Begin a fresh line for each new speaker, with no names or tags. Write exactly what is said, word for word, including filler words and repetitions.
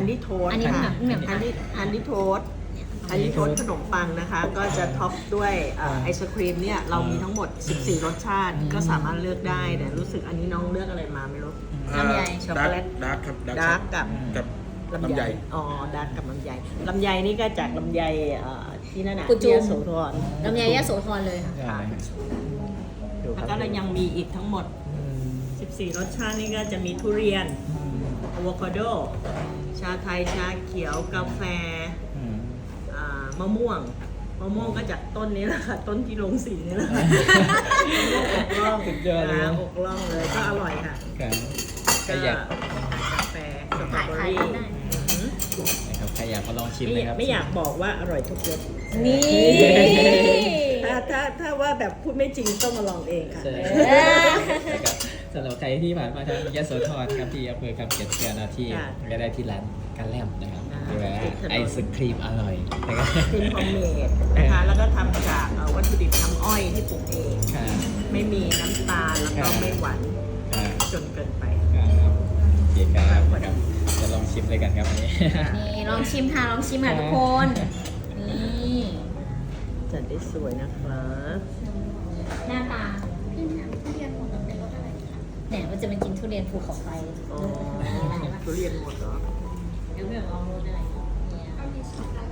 นดี้โทสต์
อันนี้
ค่ะ
เหมือน
ฮันดี้ฮันดี้โทสต์ฮันดี้โทสต์ขนมปังนะคะ ก็จะท็อปด้วยเอ่อไอศครีมเนี่ยเรามีทั้งหมดสิบสี่รสชาติก็สามารถเลือกได้แต่รู้สึกอันนี้น้องเลือกอะไรมาไม่รู้
ลำไย
ช็อกโกแลต
ดาร์กครับ
ดาร์กกับ
กับ
ลำ
ลำ
ไย
ไย
อ๋อดาร์กกับลำไยลำไยนี่ก็จากลำไยเอ่อที่นั่นน่ะ
กุจุ
ที่
ม
ยโสธร
ลำไยยะโสธรเลยค่ะ
ค่ะแล้วก็เรายังมีอีกทั้งหมดสิบสี่รสชาตินี่ก็จะมีทุเรียนอะโวคาโด ชาไทย ชาเขียว กาแฟอ่ามะม่วง มะม่วงก็จากต้นนี้แหละค่ะ ต้นที่ลงสีนี่แหละค่ะอกล่อง
สุดยอดเลย
นะอกล่องเลย ก็อร่อยค่ะ
ครับใคร
ก็
อยาก
กาแฟสตรอ
ถ่าย
เบอ
ถ่าย
รี่
ได้
อืม
นะครับใครอยากมาลองชิม
ไม่
เลยครับ
ไม่อยากบอกว่าอร่อยทุกรส
นี่
ถ้าถ้าถ้าว่าแบบพูดไม่จริงต้องมาลองเองค่ะ
ใช่นะครับสำหรับใครที่ผ่านมาทางยโสธรครับที่อำเภอคำเขียนเชียนาที่
ค่ะ
ก็ได้ที่ร้านกันแลมนะครับ
อ่า
คือว่า
ติดถนน
ไอศครีมอร่อยนะครับ
ครีมโฮมเมดนะคะ แล้วก็ทำจากเอ่อวัตถุดิบน้ำอ้อยที่ปลูกเอง
ค่ะ
ไม่มีน้ำตาล แล้วก็ไม่หวาน
ค่ะ
จนเกินไป
ครับโอเคครับนะครับจะลองชิมเลยกันครับวันนี้
นี่ลองชิมค่ะลองชิมค่ะทุกคนนี่
จัดได้สวยนะครับ
หน้าตาพี่ถามทุเรียนหมดเป็นรสอะไรคะเนี่ยมันจะเป็นกินทุเรียนภูเขาไฟ
อ๋อทุเรียนหมดเหรอ
เดี๋ยวเดี๋ยวลองรสอะไร